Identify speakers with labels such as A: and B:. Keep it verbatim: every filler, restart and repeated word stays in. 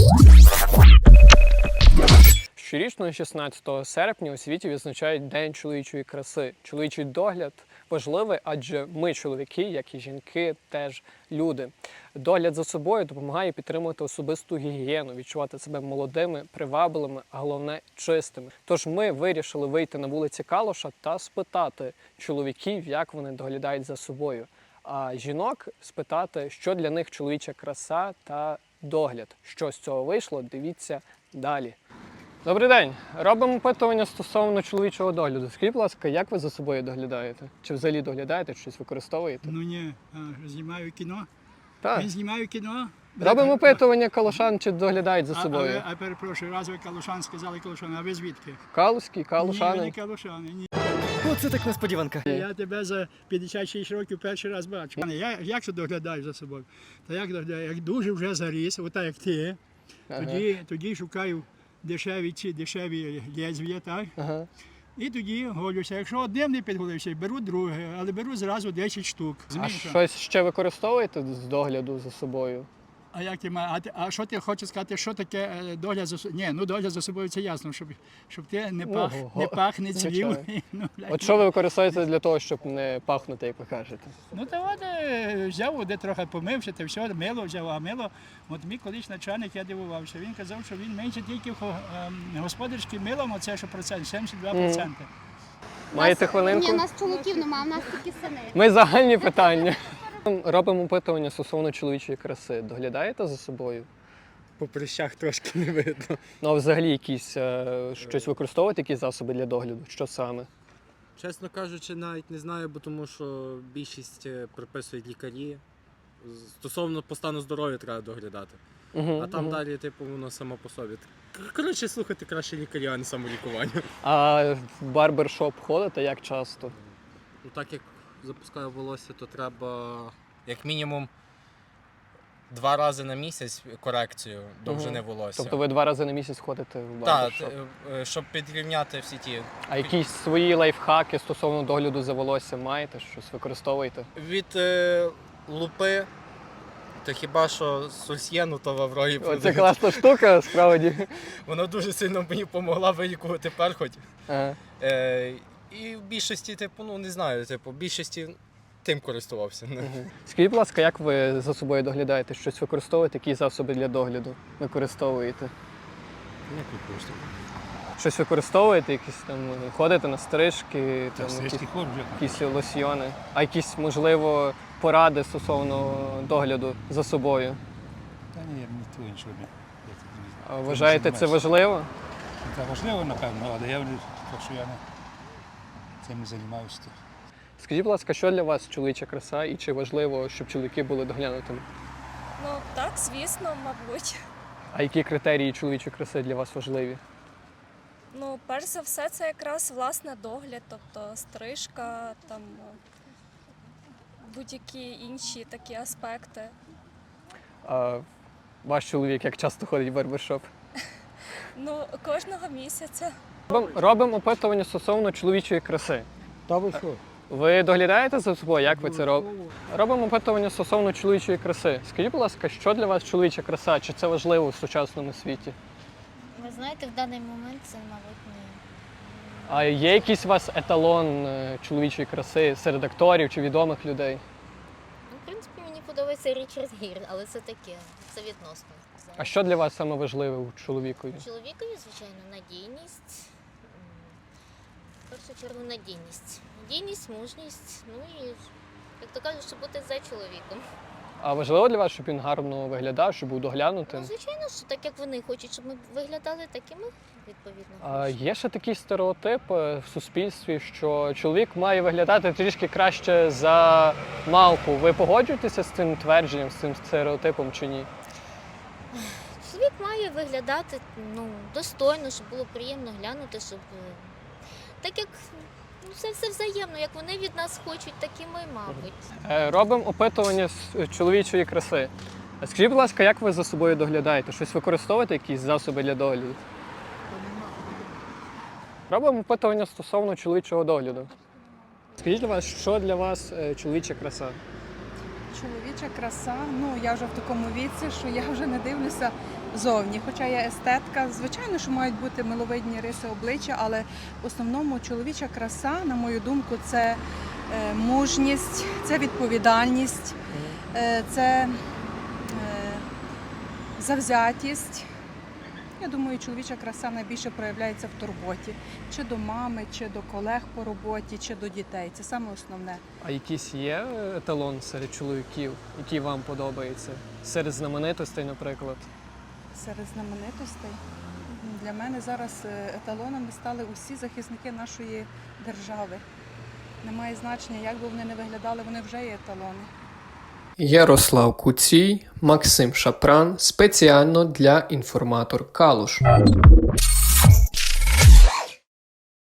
A: Щорічно шістнадцятого серпня у світі відзначають День чоловічої краси. Чоловічий догляд важливий, адже ми, чоловіки, як і жінки, теж люди. Догляд за собою допомагає підтримувати особисту гігієну, відчувати себе молодими, привабливими, а головне – чистими. Тож ми вирішили вийти на вулиці Калуша та спитати чоловіків, як вони доглядають за собою. А жінок спитати, що для них чоловіча краса та догляд. Що з цього вийшло, дивіться далі. Добрий день. Робимо опитування стосовно чоловічого догляду. Скажіть, будь ласка, як ви за собою доглядаєте? Чи взагалі доглядаєте, чи щось використовуєте?
B: Ну ні, а, знімаю кіно.
A: Так.
B: Він знімаю кіно.
A: Робимо опитування калушан, чи доглядають за
B: А,
A: собою.
B: а, а перепрошую, раз ви калушан сказали калушан, а ви звідки?
A: Калузькі,
B: Ні, ви
A: калушани.
B: не калушани, ні.
C: Оце так несподіванка.
B: Я тебе за п'ятдесят шість років перший раз бачу. Я як же доглядаю за собою? Та як доглядаю? Як дуже вже заріс, отак як ти,
A: Ага.
B: тоді, тоді шукаю дешеві ці дешеві лезвія, так?
A: Ага.
B: І тоді голюся. Якщо одним не підголився, беру друге, але беру зразу десять штук.
A: А
B: Змінка.
A: щось ще використовуєте з догляду за собою?
B: А як ти ма- а, ти- а що ти хочеш сказати, що таке е, догляд за собою? Ні, ну догляд за собою це ясно, щоб, щоб ти не пах,
A: Ого.
B: не пах, не цвів.
A: Звичайно.
B: ну, бля.
A: От що ви використовуєте для того, щоб не пахнути, як ви кажете?
B: Ну то от е, взяв, де трохи помився, та все, мило взяв, а мило, от мій колись начальник, я дивувався, він казав, що він менше тільки хо- ем, господарським милом, оце що процент, сімдесят два відсотки.
A: Маєте
D: Ні,
A: хвилинку?
D: у нас чоловіків немає, у нас тільки сини.
A: Ми загальні питання. Робимо опитування стосовно чоловічої краси. Доглядаєте за собою?
C: По прищах трошки не видно.
A: Ну, а взагалі якісь е, щось використовуєте, якісь засоби для догляду? Що саме?
E: Чесно кажучи, навіть не знаю, бо тому що більшість е, приписують лікарі. З- Стосовно по стану здоров'я треба доглядати.
A: Угу,
E: А там далі, типу, воно само по собі. Кор- Коротше, слухати краще лікаря, а не самолікування.
A: А в барбершоп ходите як часто?
E: Ну так як запускаю волосся, то треба як мінімум два рази на місяць корекцію довжини волосся.
A: Тобто ви два рази на місяць ходите в
E: Так,
A: барбершоп?
E: т- е, щоб підрівняти всі ті.
A: А якісь свої лайфхаки стосовно догляду за волоссям маєте? Щось використовуєте?
E: Від е, лупи, то хіба що сульсьєну, то в Аврорі
A: Це
E: продають.
A: класна штука, справді.
E: Вона дуже сильно мені допомогла вилікувати перхоть.
A: Ага.
E: Е, і в більшості, типу, ну не знаю, типу, в більшості тим користувався.
A: Скажіть, будь ласка, як ви за собою доглядаєте? Щось використовуєте? Які засоби для догляду використовуєте?
F: Як використовую?
A: Щось використовуєте? Якісь там ходите на стрижки,
F: Та
A: там, якісь,
F: стрижки ходжу.
A: якісь лосьйони, а якісь, можливо, поради стосовно догляду за собою?
F: Та ні, я ніхто іншого не. Я тут не знаю.
A: А вважаєте це
F: займаюся.
A: важливо?
F: Це важливо, напевно, але я не- так що я не цим не займаюся. то.
A: Скажіть, будь ласка, що для вас чоловіча краса і чи важливо, щоб чоловіки були доглянутими?
G: Ну так, звісно, мабуть.
A: А які критерії чоловічої краси для вас важливі?
G: Ну, перш за все, це якраз власне догляд, тобто стрижка, там будь-які інші такі аспекти.
A: А ваш чоловік як часто ходить в барбершоп?
G: Ну, кожного місяця.
A: Робимо робимо опитування стосовно чоловічої краси.
C: Та ви що?
A: Ви доглядаєте за собою? Як ви це робите? Робимо опитування стосовно чоловічої краси. Скажіть, будь ласка, що для вас чоловіча краса? Чи це важливо в сучасному світі?
D: Ви знаєте, в даний момент це, мабуть, ні.
A: А є якийсь у вас еталон е, чоловічої краси серед акторів чи відомих людей?
D: Ну, в принципі, мені подобається Річард Гір, але це таке, це відносно.
A: А що для вас саме важливе у чоловікові?
D: Чоловікові, звичайно, надійність. М, В першу чергу надійність. Надійність, мужність, ну і, як то кажуть, щоб бути за чоловіком.
A: А важливо для вас, щоб він гарно виглядав, щоб був
D: Ну,
A: доглянутим?
D: звичайно, що так як вони хочуть, щоб ми виглядали, так і ми, відповідно.
A: А
D: хочемо.
A: є ще такий стереотип е, в суспільстві, що чоловік має виглядати трішки краще за мавпу. Ви погоджуєтеся з цим твердженням, з цим стереотипом чи ні?
D: Чоловік має виглядати ну, достойно, щоб було приємно глянути, щоб е, так як ну, це все взаємно, як вони від нас хочуть, так і ми, мабуть.
A: Е, Робимо опитування з е, чоловічої краси. А Скажіть, будь ласка, як ви за собою доглядаєте? Щось використовуєте, якісь засоби для догляду? Робимо опитування стосовно чоловічого догляду. Скажіть, будь ласка, що для вас е, чоловіча краса?
H: Чоловіча краса, ну я вже в такому віці, що я вже не дивлюся зовні. Хоча я естетка, звичайно, що мають бути миловидні риси обличчя, але в основному чоловіча краса, на мою думку, це е, мужність, це відповідальність, е, це е, завзятість. Я думаю, чоловіча краса найбільше проявляється в турботі. Чи до мами, чи до колег по роботі, чи до дітей. Це саме основне.
A: А якийсь є еталон серед чоловіків, який вам подобається? Серед знаменитостей, наприклад?
H: Серед знаменитостей. Для мене зараз е, еталонами стали усі захисники нашої держави. Немає значення, як би вони не виглядали, вони вже є еталони.
A: Ярослав Куцій, Максим Шапран спеціально для інформатор Калуш.